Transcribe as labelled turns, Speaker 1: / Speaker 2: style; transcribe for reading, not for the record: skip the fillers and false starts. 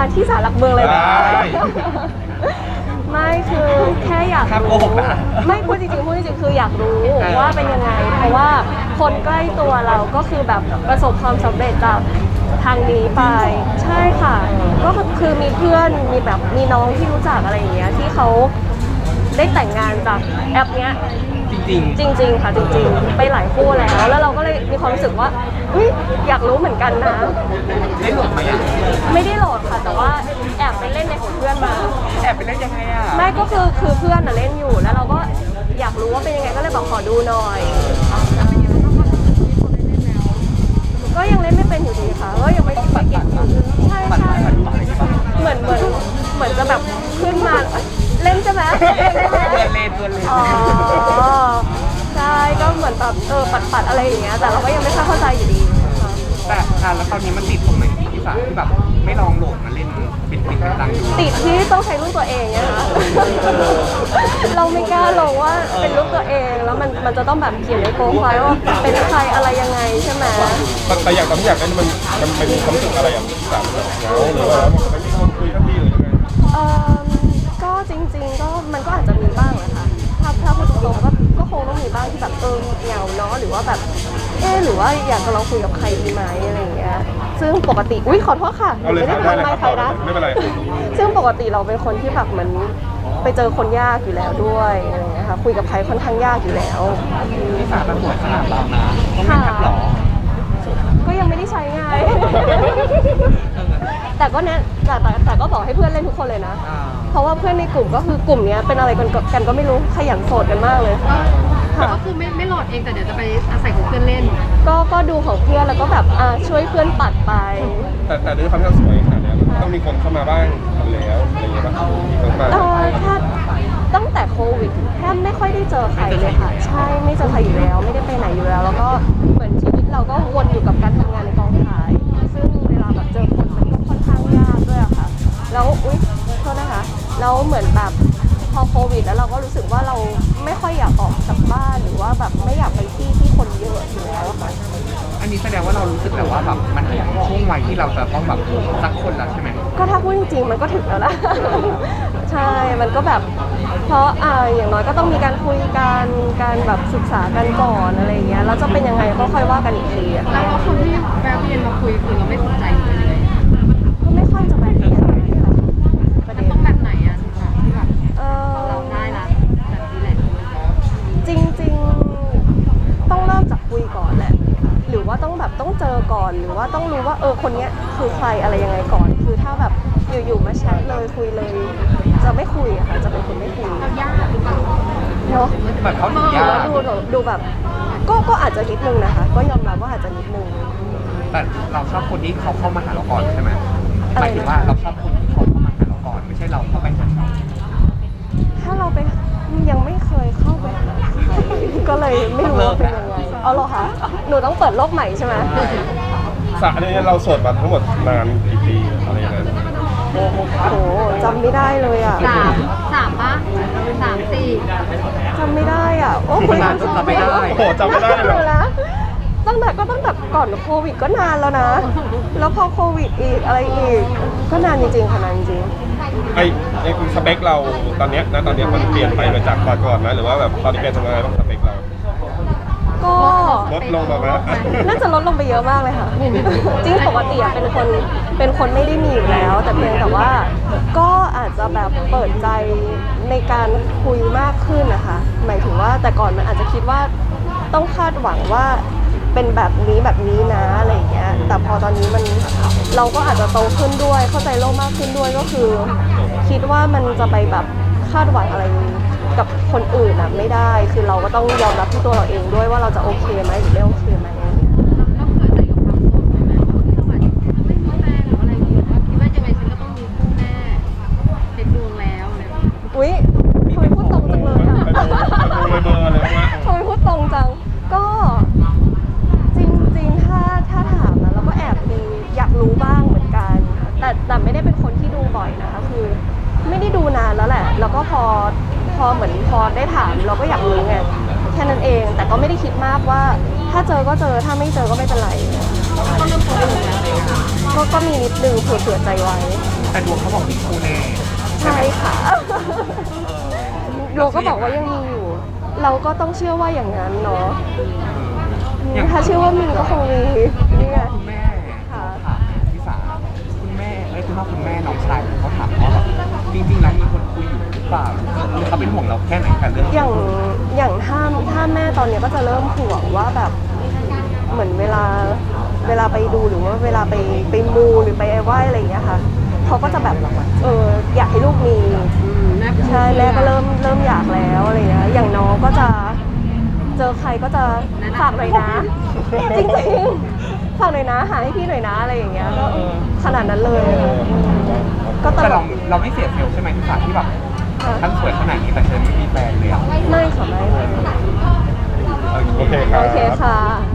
Speaker 1: มาที่ศาลหลักเมืองเลยนะไม่คือแค่อยากรู้ไม่พูดจริงๆคืออยากรู้ว่าเป็นยังไงเพราะว่าคนใกล้ตัวเราก็คือแบบประสบความสำเร็จจากทางนี้ไปใช่ค่ะก็คือมีเพื่อนมีแบบมีน้องที่รู้จักอะไรอย่างเงี้ยที่เขาได้แต่งงานจากแอปเนี้ยจริงค่ะจริงๆไปหลายคู่แล้วเราก็เลยมีความรู้สึกว่าอยากรู้เหมือนกันนะ
Speaker 2: ได้โหลดไหมอ่ะ
Speaker 1: ไม่ได้โหลดค่ะแต่ว่าแอบไปเล่นในของเพื่อนมา
Speaker 2: แอบไปเล่นยังไงอ่ะ
Speaker 1: ไม่ก็คือเพื่อนเล่นอยู่แล้วเราก็อยากรู้ว่าเป็นยังไงก็เลยบอกขอดูหน่อยก็ยังเล่นไม่เป็นอยู่ดีค่ะก็ยังไม่ได้เก่งใช่เหมือนจะแบบขึ้นมาเล่นใช่ไหม
Speaker 2: เล่น
Speaker 1: อ๋อใช่ก็เหมือนแบบปัดอะไรอย่างเงี้ยแต่เราก็ยังไม่ค่อยเข้าใจอยู่ดี
Speaker 2: แต่แล้วตอนนี้มันติดตรงไหนที่สาที่แบบไม่ลองโหลดมาเล่นเป็นดังดู
Speaker 1: ติดที่ต้องใช้รูปตัวเองเนี่ยนะเราไม่กล้าลงว่าเป็นรูปตัวเองแล้วมันจะต้องแบบเขียนในโปรไฟล์ว่าเป็นใครอะไรยังไงใช่ไหม
Speaker 3: แต่อย่างตอนที่อยากเล่นมันมีความรู้สึกอะไรอย่างสามเหงาหรือว่าไม่มีคนคุยทันทีหรือยังไง
Speaker 1: ก็จริงๆก็มันก็อาจจะมีบ้างแหละค่ะถ้าพูดตรงๆก็คงต้องมีบ้างที่แบบเหงาเนาะหรือว่าแบบหรือว่าอยากจะลองคุยกับใครดีไหมอะไรอย่างเงี้ยซึ่งปกติขอโทษค่ะ
Speaker 3: ไม่ได้
Speaker 1: ทำไมใครนะ
Speaker 3: ไม่เป็นไร
Speaker 1: ซึ่งปกติเราเป็นคนที่แบบเหมือนไปเจอคนยากอยู่แล้วด้วยอะไรอย่างเงี้ยค่ะคุยกับใครค่อนข้างยากอยู่แล้ว
Speaker 2: ที่สามันหมดขนาดเรานะต้องเป็นนักหรอ
Speaker 1: ก็ยังไม่ได้ใช้ไงแต่ก็เนี่ยแต่ก็บอกให้เพื่อนเล่นทุกคนเลยนะเพราะว่าเพื่อนในกลุ่มก็คือกลุ่มนี้เป็นอะไรกันก็ไม่รู้ขยันโสดกันมากเลย
Speaker 4: ก็คือไม่โหลดเองแต่เดี๋ยวจะไปอาศัยของเพื่อนเล่น
Speaker 1: ก็ดูของเพื่อนแล้วก็แบบช่วยเพื่อนปัดไป
Speaker 3: แต่ด้วยความที่เราสวยขนาดนี้ต้องมีคนเข้ามาบ้างแล้วอะไรอย่างเงี้ยป่ะ
Speaker 1: ถ้าตั้งแต่โควิดแทบไม่ค่อยได้เจอใครเลยค่ะใช่ไม่เจอใครอยู่แล้วไม่ได้ไปไหนอยู่แล้วแล้วก็เหมือนชีวิตเราก็วนอยู่กับการทำงานในกองถ่ายซึ่งเวลาแบบเจอคนมันก็ค่อนข้างยากด้วยอะค่ะแล้วโทษนะคะแล้วเหมือนแบบพอโควิดแล้วเราก็รู้สึกว่าเราไม่ค่อยอยากออกจากบ้านหรือว่าแบบไม่อยากไปที่คนเยอะอยู่แล้วค่ะ
Speaker 2: อันนี้แสดงว่าเรารู้สึกแบบว่าแบบมันถึงช่วงวัยที่เราจะต้องแบบสักคนแล้วใช่ไหม
Speaker 1: ก็ถ้าพูดจริงๆมันก็ถึงแล้วนะใช่มันก็แบบเพราะอย่างน้อยก็ต้องมีการคุยกันการแบบศึกษากันก่อนอะไรอย่างเงี้ยแล้วจะเป็นยังไงก็ค่อยว่ากันอีกที
Speaker 4: แล้วคนที่แวะเวียนมาคุยคือเราไม่สนใจเลย
Speaker 1: ก็ไม่ค่อยจะแวะเวียนอะไรค่ะ
Speaker 4: ประเด็นต้องแบบไหนอะที่แบบเราได้ละแบบนี้แหละ
Speaker 1: จริงๆต้องเริ่มจากคุยก่อนแหละหรือว่าต้องเจอก่อนหรือว่าต้องรู้ว่าคนเนี้ยคือใครอะไรยังไงก่อนคือถ้าแบบอยู่ๆมาแชทเลยคุยเลยจะไม่คุยอะค่ะจะเป็นคนไม่คุย
Speaker 4: ยากหรือเปล่า
Speaker 1: เนาะ
Speaker 2: แบบเขาถึงยาก
Speaker 1: ดูแบบก็อาจจะนิดนึงนะคะก็ยอมรับว่าอาจจะนิดนึง
Speaker 2: แต่เราชอบคนที่เขาเข้ามาหาเราก่อนใช่ไหมหมายถึงว่าเราชอบคนที่เขาเข้ามาหาเราก่อนไม่ใช่เราเข้าไปหาเขา
Speaker 1: ถ้าเราไปยังไม่เคยเข้าไปก็เลยไม่รู้ว่าเป็นยังไงเอาหรอคะหนูต้องเปิดโลกใหม่ใช่ไหม
Speaker 3: สระเนี่ยเราโสดมาทั้งหมดนานกี่ปีอะไรอย่างเงี้ย
Speaker 1: โอ้โหจำไม่ได้เลยอ่ะ
Speaker 4: 3ป่ะ3 4
Speaker 1: จำไม่ได้อ่ะโอ้คุยกัน
Speaker 2: จำไม่ได้
Speaker 3: โอ้จำไม่ได้เลย
Speaker 1: นะตั้งแต่ก่อนโควิดก็นานแล้วนะแล้วพอโควิดอีกอะไรอีกก็นานจริงๆค่ะนานจริง
Speaker 3: ไอ้สเปคเราตอนเนี้ยมันเปลี่ยนไปมาจากก่อนไหมหรือว่าแบบตอนนี้เป็นยังไงบ้างสเปคเรา
Speaker 1: ก็
Speaker 3: ลดลงมาไหม
Speaker 1: น่าจะลดลงไปเยอะมากเลยค่ะจริงปกติเป็นคนไม่ได้มีอยู่แล้วแต่เพียงแต่ว่าก็อาจจะแบบเปิดใจในการคุยมากขึ้นนะคะหมายถึงว่าแต่ก่อนมันอาจจะคิดว่าต้องคาดหวังว่าเป็นแบบนี้นะอะไรอย่างเงี้ยแต่พอตอนนี้เราก็อาจจะโตขึ้นด้วยเข้าใจโลกมากขึ้นด้วยก็คือคิดว่ามันจะไปแบบคาดหวังอะไรกับคนอื่นไม่ได้คือเราก็ต้องยอมรับที่ตัวเราเองด้วยว่าเราจะโอเคไหมหรือไม่โอเคไหม
Speaker 4: เราเปิดใจกับความโสดไหมแบบไม่มีแฟนหรืออะไรอย่างเงี้ยคิดว่ายังไงฉันก็ต้องมีคู่แน่เต็มดวงแล้วเลย
Speaker 1: อุ๊ยทำไมพูดตรงจังเลยอะทำไมพูดตรงจังก็จริงๆถ้าถามนะเราก็แอบมีอยากรู้บ้างเหมือนกันแต่ไม่ได้เป็นคนที่ดูบ่อยนะคะคือไม่ได้ดูนานแล้วแหละแล้วก็พอเหมือนพอได้ถามเราก็อยากรู้ไงแค่นั้นเองแต่ก็ไม่ได้คิดมากว่าถ้าเจอก็เจอถ้าไม่เจอก็ไม่เป็นไร
Speaker 4: ก็เริ่มโตขึ้นแล้ว
Speaker 1: ก็มีนิดนึงเผื่อใจไว้
Speaker 2: แต่ดวงเขาบอกมีคู่แน่
Speaker 1: ใช่ค่ะโยก็บอกว่ายังมีอยู่ เราก็ต้องเชื่อว่าอย่างนั้นเนาะ
Speaker 2: อย่าง
Speaker 1: ถ้าเชื่อว่ามีก็คงมีนี่ไง
Speaker 2: คุณแม่
Speaker 1: ค่ะ
Speaker 2: ถามพี่สาคุณแม่คุณพ่อคุณแม่น้องชายเขาถามว่าแบบจริงๆแล้วมีคนคุยอยู่หรือเปล่าหรือเขาเป็นห่วงเราแค่ไหนกับเรื่อง
Speaker 1: อย่างถ้าแม่ตอนนี้ก็จะเริ่มห่วงว่าแบบเหมือนเวลาไปดูหรือว่าเวลาไปมูหรือไปไหว้อะไรอย่างเงี้ยค่ะเขาก็จะแบบอยากให้ลูกมี
Speaker 4: แม่
Speaker 1: ใช่แม่ก็เริ่มอยากแล้วอะไรเงี้ยอย่างน้องก็จะเจอใครก็จะฝากหน่อยนะ จริงๆฝากหน่อยนะหาให้พี่หน่อยนะอะไรอย่างเงี้ยก็ขนาดนั้นเลยก็ต
Speaker 2: แต่
Speaker 1: ล
Speaker 2: เรา
Speaker 1: ก
Speaker 2: ไม่เสียเซลล์ใช่ไหมพี่สาที่แบบ
Speaker 1: ค่ะ
Speaker 2: ท่านสวยขนาดนี้แต่เธอไม่มีแฟนเลยอ่ะ
Speaker 1: ไม่ค่ะไม่
Speaker 3: โอเคครับ
Speaker 1: โอเคค่ะ